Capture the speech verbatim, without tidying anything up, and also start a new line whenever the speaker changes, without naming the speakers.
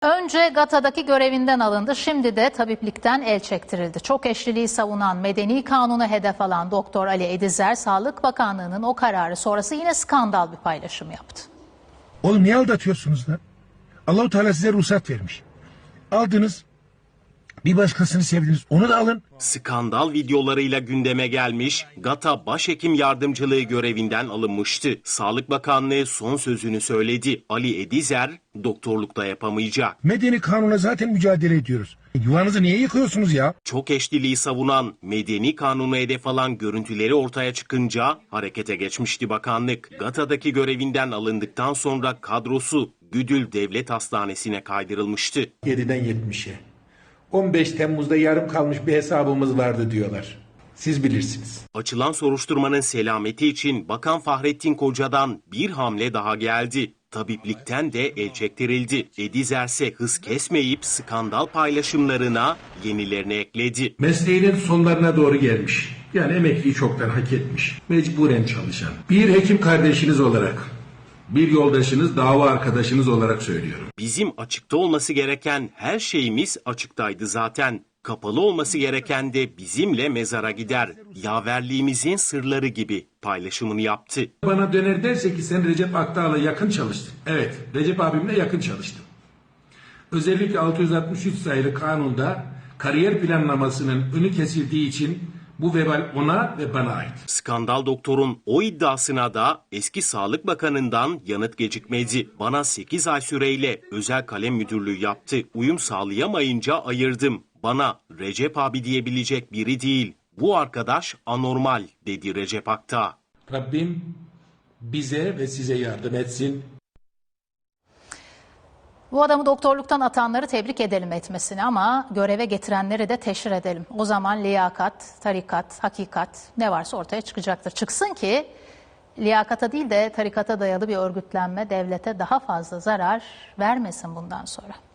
Önce GATA'daki görevinden alındı, şimdi de tabiplikten el çektirildi. Çok eşliliği savunan, medeni kanunu hedef alan Doktor Ali Edizer, Sağlık Bakanlığı'nın o kararı sonrası yine skandal bir paylaşım yaptı.
Oğlum niye aldatıyorsunuz lan? Allah-u Teala size ruhsat vermiş. Aldınız, bir başkasını sevdiniz, onu da alın.
Skandal videolarıyla gündeme gelmiş, GATA Başhekim Yardımcılığı görevinden alınmıştı. Sağlık Bakanlığı son sözünü söyledi. Ali Edizer, doktorlukta yapamayacak.
Medeni kanuna zaten mücadele ediyoruz. Yuvanızı niye yıkıyorsunuz ya?
Çok eşliliği savunan, medeni kanunu hedef alan görüntüleri ortaya çıkınca harekete geçmişti bakanlık. GATA'daki görevinden alındıktan sonra kadrosu Güdül Devlet Hastanesi'ne kaydırılmıştı.
yediden yetmişe. on beş Temmuz'da yarım kalmış bir hesabımız vardı diyorlar. Siz bilirsiniz.
Açılan soruşturmanın selameti için Bakan Fahrettin Koca'dan bir hamle daha geldi. Tabiplikten de el çektirildi. Edizer ise hız kesmeyip skandal paylaşımlarına yenilerini ekledi.
Mesleğinin sonlarına doğru gelmiş. Yani emekliyi çoktan hak etmiş. Mecburen çalışan. Bir hekim kardeşiniz olarak, bir yoldaşınız, dava arkadaşınız olarak söylüyorum.
Bizim açıkta olması gereken her şeyimiz açıktaydı zaten. Kapalı olması gereken de bizimle mezara gider. Yaverliğimizin sırları gibi paylaşımını yaptı.
Bana döner derse ki sen Recep Akdağ'la yakın çalıştın. Evet, Recep abimle yakın çalıştım. Özellikle altı yüz altmış üç sayılı kanunda kariyer planlamasının önü kesildiği için bu vebal ona ve bana ait.
Skandal doktorun o iddiasına da eski Sağlık Bakanı'ndan yanıt gecikmedi. Bana sekiz ay süreyle özel kalem müdürlüğü yaptı. Uyum sağlayamayınca ayırdım. Bana Recep abi diyebilecek biri değil. Bu arkadaş anormal dedi Recep Akdağ.
Rabbim bize ve size yardım etsin.
Bu adamı doktorluktan atanları tebrik edelim etmesini ama göreve getirenleri de teşhir edelim. O zaman liyakat, tarikat, hakikat ne varsa ortaya çıkacaktır. Çıksın ki liyakata değil de tarikata dayalı bir örgütlenme devlete daha fazla zarar vermesin bundan sonra.